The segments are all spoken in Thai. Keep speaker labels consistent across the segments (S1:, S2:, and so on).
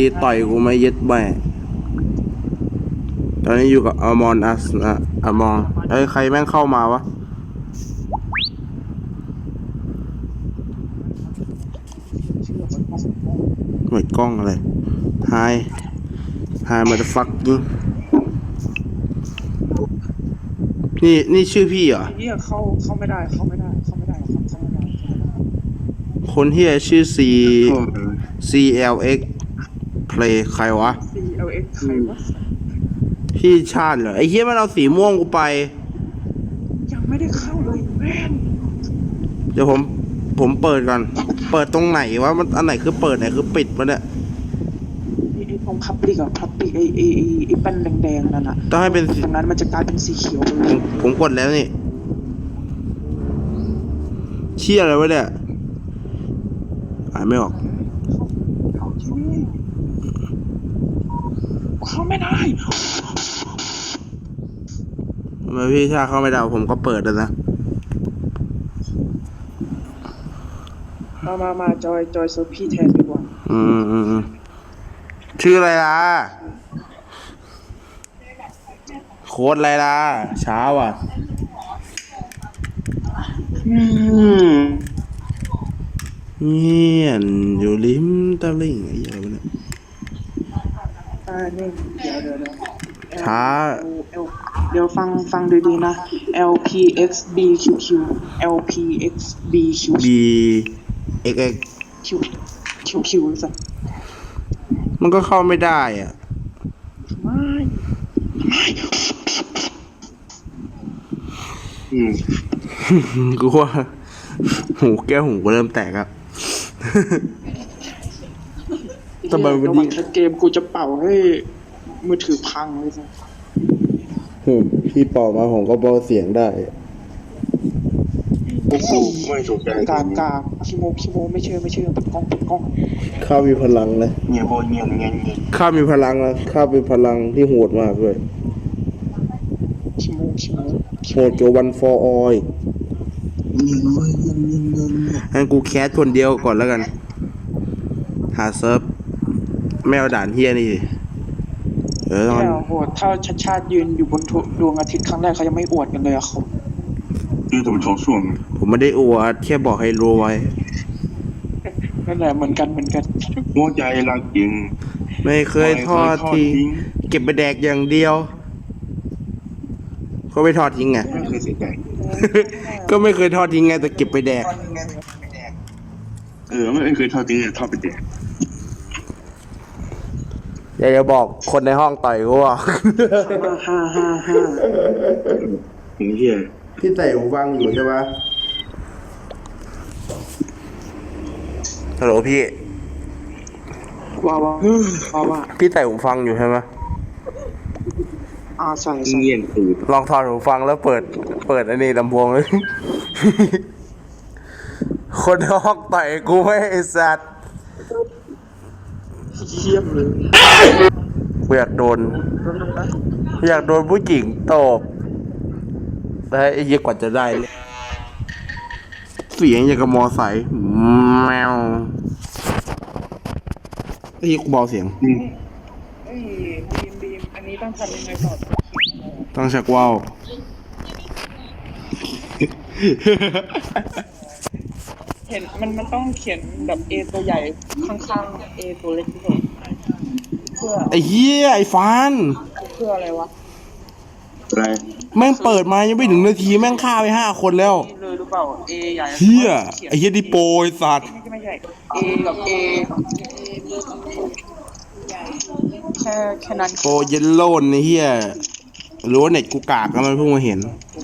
S1: ต่อยกูไม่เย็ดแม่ตอนนี้อยู่กับอมอนอัสนะอมอนใครแม่งเข้ามาวะหน่วยกล้องอะไรไฮมาเดอะฟักกิ้งนี่ชื่อพี่เหรอ
S2: เนี่ยเข้าไม่ได้ครับเข้าไม่ได้
S1: คนที่ชื่อ CLX Play ใครวะ
S2: CLX ใครวะ
S1: พี่ชาติเหรอไอ้เหี้ยมันเอาสีม่วงกูไป
S2: ยังไม่ได้เข้าเลยแม่น
S1: เดี๋ยวผมเปิดก่อนเปิดตรงไหนวะมันอันไหนคือเปิดไหนคือปิดวะเนี่ย
S2: ไอ้ตรงพับลิกอะพับลิกไอ้แป้นแดงๆนั่นอะ
S1: ต้องให้เป็น
S2: ตรงนั้นมันจะกลายเป็นสีเขียวไปเลย
S1: ผมกดแล้วนี่เชี่ยอะไรวะเนี่ยอ่านไม่ออก
S2: เข้าไม่ได้
S1: ทำไมพี่ชาเข้าไม่ได้ผมก็เปิดแล้วนะ
S2: มาจอยเซิร์ฟพี่แทนดีกว่า
S1: ชื่ออะไรล่ะโค้ดอะไรล่ะเช้าอ่ะเงียนอยู่ริมตะลิ่งไอ้เหี้ยเนี่ย
S2: นี่เดี๋ยว
S1: ช้า
S2: เดี๋ยวฟังดีๆนะ LPXBQQ LPXBQQ
S1: BXX
S2: QQ สัก
S1: มันก็เข้าไม่ได้อ่ะกูว่าหูแก้วหูก็เริ่มแตกอ่ะ
S2: ทำไมวันนี้เกมกูจะเป่าให้มือถือพังเลยสิ
S1: พี่เป่ามาผมก็เบาเสียงได้
S3: โอ้โหไม่ถูกใจ
S2: กากคิโมไม่เชื่อปิดกล้อง
S1: ข้ามีพลังนะ
S3: เงียบเงียบเงียบ
S1: ข้ามีพลังนะข้าเป็นพลังที่โหดมากด้วย
S2: คิโม
S1: โหดกว่าวันฟอร์ออยงั้นกูแคสคนเดียวก่อนแล้วกันหาเซิร์ฟไม่เอาด่านเฮียนี่
S2: โหดถ้าชาติยืนอยู่บนดวงอาทิตย์ครั้งแรกเขายังไม่อวดกันเลยอะเขา
S1: ผมไม่ได้อวดแค่บอกให้รู้ไว้
S2: นั่นแหละเหมือนกัน
S3: หัวใจรักจริง
S1: ไม่เคยทอดทิ้งเก็บไปแดกอย่างเดียวก็ไม่ทอดทิ้งไง
S3: ไม่เคยเสียใจ
S1: ก็ไม่เคยทอดทิ้งไงแต่เก็บไปแดก
S3: ไม่เคยทอดทิ้งทอดไปแดก
S1: อยากจะบอกคนในห้องต่อยกูว่า
S3: เฮีย
S1: พี่ใส่หูฟังอยู่ใช่ปะฮัลโหลพี่
S2: ว่า
S1: พี่ใส่หูฟังอยู่ใช่ไหม
S2: ใส่
S3: เงียบ
S1: ลองถอดหูฟังแล้วเปิดอันนี้ลำโพงเลยคนในห้องต่อยกูไม่ไอ้สัตว์
S2: เยี่ยมเลย
S1: อยากโดนผู้หญิงตบแต่ไอ้เหี้ยกว่าจะได้เสียงอย่างกับมอไซค์แมวไอ้เหี้ยกูเบาเสียง
S2: บีมอันนี้ต้องทำยังไงต่อ
S1: ต้องชักว่าว
S2: เห็นมันต้องเขียนแบบ A ตัวใหญ่ข้างๆ A ตัวเล็กที่สุดเพื่อ
S1: ไอ้เหี้ยไอ้ฟัน
S2: เพื่ออะไรวะ
S3: อะไร
S1: แม่งเปิดมายังไม่ถึงนาทีแม่งฆ่าไป5 คนแล้ว
S2: เลยหรือเปล่า A ใหญ่
S1: เหี้ยไอ้เหี้ยดิโปไอ้สัตว์
S2: ไม่ใช่ A กับ A แค่นั้น
S1: โปเยลโล่ไอ้เหี้ยรู้ว่าเน็ตกูกากแล้วมันเพิ่งมาเห็น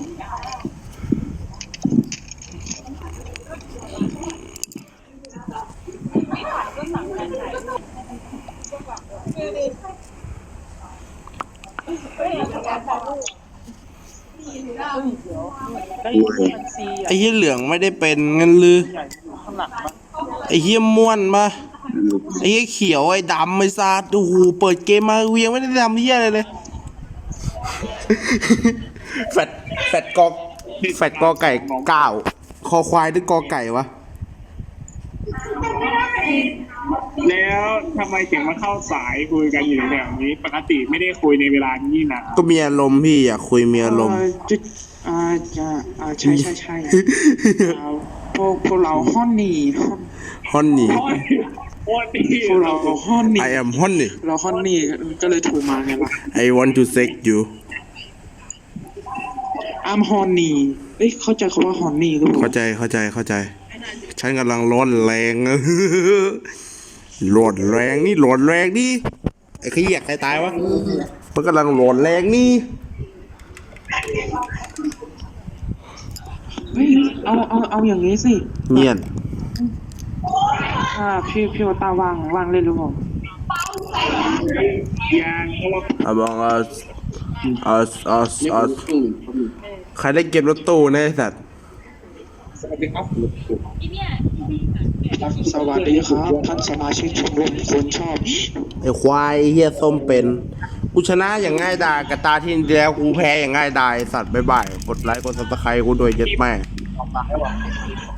S1: ไอ้เหี้ยเหลืองไม่ได้เป็นงั้นลือไอ้เหี้ยม่วนปะไอ้เหี้ยเขียวไอ้ดำไอ้ซาดูเปิดเกมมาเวียงไม่ได้ทำเหี้ยอะไรเลยแฟดกอไก่9คอควายหรือกอไก่วะ
S4: แล้วทำไมถึงมาเข้าสายคุยกันอยู่แบบนี้ ปกติไม่ได้คุยในเวลานี้นะ
S1: ก็มีอารมณ์พี่อยากคุยมีอารมณ์
S2: จะใช่พวกเราฮ้อนนี่
S1: ฮอนนี่
S4: โอ้ดี
S2: พวกเราฮ้อนนี่
S1: I am honey
S2: เราฮ้อนนี่ก็เลยโทรมาไงล่ะ
S1: I want to sex you
S2: I'm horny เอ้ยเข้าใจคำว่า horny หรือเปล่า
S1: เข้าใจฉันกำลังร้อนแรง ร้อนแรงนี่ไอ้ขี้อยากใครตายวะมันกำลังร้อนแรงนี่
S2: เฮ้ยเอาอย่างนี้สิ
S1: เงียบ
S2: พี่ว่าตาว่างเล่นหรือเปล่า
S4: ยังเพราะว่า
S1: Among us ใครได้เก็บรถตู้ในยไอ้สัตว์
S4: สวัสดีครับ
S2: สวัสดีครับท่านสมาชิกชมรมคนชอบ
S1: ไอ้ควายไอ้เฮียส้มเป็นกูชนะอย่างง่ายดายกับตาที่แล้วกูแพ้อย่างง่ายดายไอ้สัตว์บ๊ายบายกดไลค์กดซับสไครต์กูโดวยเย็ดแม่